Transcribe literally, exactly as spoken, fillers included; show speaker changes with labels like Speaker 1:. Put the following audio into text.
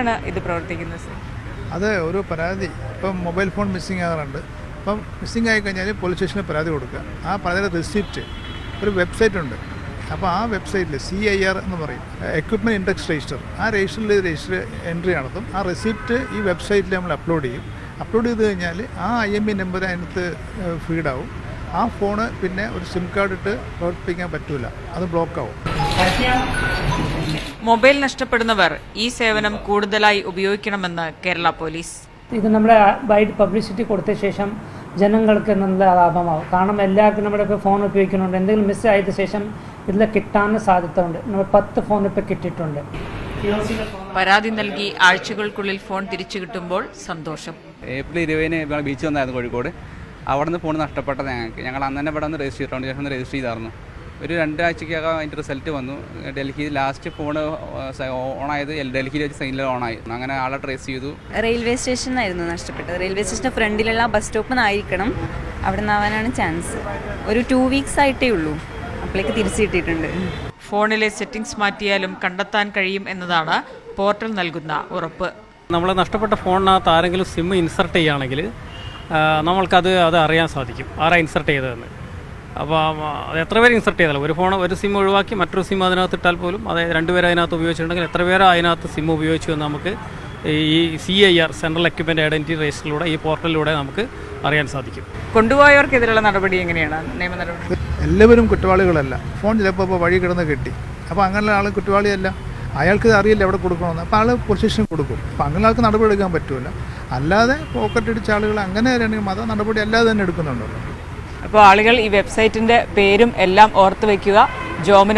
Speaker 1: എങ്ങനെയാണ് ഇത് പ്രവർത്തിക്കുന്നത്?
Speaker 2: അത് ഒരു പരാതി ഇപ്പം മൊബൈൽ ഫോൺ മിസ്സിംഗ് ആകാറുണ്ട്. അപ്പം മിസ്സിംഗ് ആയി കഴിഞ്ഞാൽ പോലീസ് സ്റ്റേഷനിൽ പരാതി കൊടുക്കുക. ആ പരാതിയുടെ റിസിപ്റ്റ് ഒരു വെബ്സൈറ്റ് ഉണ്ട്. അപ്പോൾ ആ വെബ്സൈറ്റിൽ സി ഐ ആർ എന്ന് പറയും, എക്വിപ്മെൻറ്റ് ഇൻഡെക്സ് രജിസ്റ്റർ. ആ രജിസ്റ്ററിൽ രജിസ്റ്റർ എൻട്രി നടത്തും. ആ റെസിപ്റ്റ് ഈ വെബ്സൈറ്റിൽ നമ്മൾ അപ്ലോഡ് ചെയ്യും. അപ്ലോഡ് ചെയ്ത് കഴിഞ്ഞാൽ ആ ഐ എം ഇ നമ്പർ അതിനകത്ത് ഫീഡാവും. ആ ഫോണ് പിന്നെ ഒരു സിം കാർഡ് ഇട്ട് പ്രവർത്തിപ്പിക്കാൻ പറ്റില്ല, അത് ബ്ലോക്കാവും.
Speaker 1: മൊബൈൽ നഷ്ടപ്പെടുന്നവർ ഈ സേവനം കൂടുതലായി ഉപയോഗിക്കണമെന്ന് കേരള പോലീസ്.
Speaker 3: ഇത് നമ്മുടെ വൈഡ് പബ്ലിസിറ്റി കൊടുത്ത ശേഷം ജനങ്ങൾക്ക് നല്ല ലാഭമാവും. കാരണം എല്ലാവർക്കും നമ്മുടെ ഇപ്പോൾ ഫോൺ ഉപയോഗിക്കുന്നുണ്ട്. എന്തെങ്കിലും മിസ് ആയതിനു ശേഷം ഇതിൽ കിട്ടാൻ സാധ്യത ഉണ്ട്. നമ്മൾ പത്ത് ഫോൺ ഇപ്പോൾ കിട്ടിയിട്ടുണ്ട്.
Speaker 1: പരാതി നൽകി ആഴ്ചകൾക്കുള്ളിൽ ഫോൺ തിരിച്ചു കിട്ടുമ്പോൾ സന്തോഷം.
Speaker 4: ഏപ്രിൽ ഇരുപതിന് ബീച്ച് വന്നായിരുന്നു കോഴിക്കോട്. അവിടെ നിന്ന് ഫോൺ നഷ്ടപ്പെട്ടത് ഞങ്ങൾക്ക്. ഞങ്ങൾ അന്ന് തന്നെ ഇവിടെ നിന്ന് രജിസ്റ്റർ ചെയ്തിട്ടുണ്ട്. ശേഷം രജിസ്റ്റർ ചെയ്തായിരുന്നു. ഒരു രണ്ടാഴ്ചക്കകം അതിൻ്റെ റിസൾട്ട് വന്നു. ഡൽഹി ലാസ്റ്റ് ഫോൺ ഓണായത് ഡൽഹിയിൽ വെച്ച് സൈനിൽ ഓണായി. അങ്ങനെ ആളെ ട്രേസ് ചെയ്തു.
Speaker 5: റെയിൽവേ സ്റ്റേഷനായിരുന്നു നഷ്ടപ്പെട്ടത്. റെയിൽവേ സ്റ്റേഷൻ്റെ ഫ്രണ്ടിലുള്ള ബസ് സ്റ്റോപ്പിൽ നിന്നായിരിക്കണം. അവിടെ നിന്നാവാനാണ് ചാൻസ്. ഒരു ടു വീക്സ് ആയിട്ടേ ഉള്ളൂ. അപ്പോഴേക്ക് തിരിച്ചു കിട്ടിയിട്ടുണ്ട്.
Speaker 1: ഫോണിലെ സെറ്റിംഗ്സ് മാറ്റിയാലും കണ്ടെത്താൻ കഴിയും എന്നതാണ് പോർട്ടൽ നൽകുന്ന ഉറപ്പ്.
Speaker 6: നമ്മൾ നഷ്ടപ്പെട്ട ഫോണിനകത്ത് ആരെങ്കിലും സിം ഇൻസർട്ട് ചെയ്യുകയാണെങ്കിൽ നമ്മൾക്കത് അത് അറിയാൻ സാധിക്കും, ആരാ ഇൻസർട്ട് ചെയ്തതെന്ന്. അപ്പോൾ അത് എത്ര പേര് ഇൻസർട്ട് ചെയ്താലും ഒരു ഫോൺ ഒരു സിം ഒഴിവാക്കി മറ്റൊരു സിം അതിനകത്ത് ഇട്ടാൽ പോലും അതായത് രണ്ടുപേർ അതിനകത്ത് ഉപയോഗിച്ചിട്ടുണ്ടെങ്കിൽ എത്ര പേര് അതിനകത്ത് സിം ഉപയോഗിച്ചു എന്ന് നമുക്ക് ഈ C I R central equipment identity രജിസ്റ്ററിലൂടെ ഈ പോർട്ടലിലൂടെ നമുക്ക് അറിയാൻ സാധിക്കും.
Speaker 1: കൊണ്ടുപോയവർക്കെതിരെയുള്ള നടപടി എങ്ങനെയാണ് നിയമ നടപടി?
Speaker 2: എല്ലാവരും കുറ്റവാളികളല്ല. ഫോൺ ചിലപ്പോൾ ഇപ്പോൾ വഴി കിടന്ന് കിട്ടി. അപ്പോൾ അങ്ങനെയുള്ള ആൾ കുറ്റവാളിയല്ല. അയാൾക്ക് അറിയില്ല എവിടെ കൊടുക്കണമെന്ന്. അപ്പോൾ ആൾ പോലീസ് സ്റ്റേഷനിൽ കൊടുക്കും. അപ്പോൾ അങ്ങനെ ആൾക്ക് നടപടി എടുക്കാൻ പറ്റില്ല. അല്ലാതെ പോക്കറ്റ് അടിച്ച ആളുകൾ അങ്ങനെ ആണെങ്കിൽ മത നടപടി അല്ലാതെ തന്നെ എടുക്കുന്നുണ്ടല്ലോ.
Speaker 1: അപ്പോൾ ആളുകൾ ഈ വെബ്സൈറ്റിൻ്റെ പേരും എല്ലാം ഓർത്ത് വയ്ക്കുക. ജോമിനോ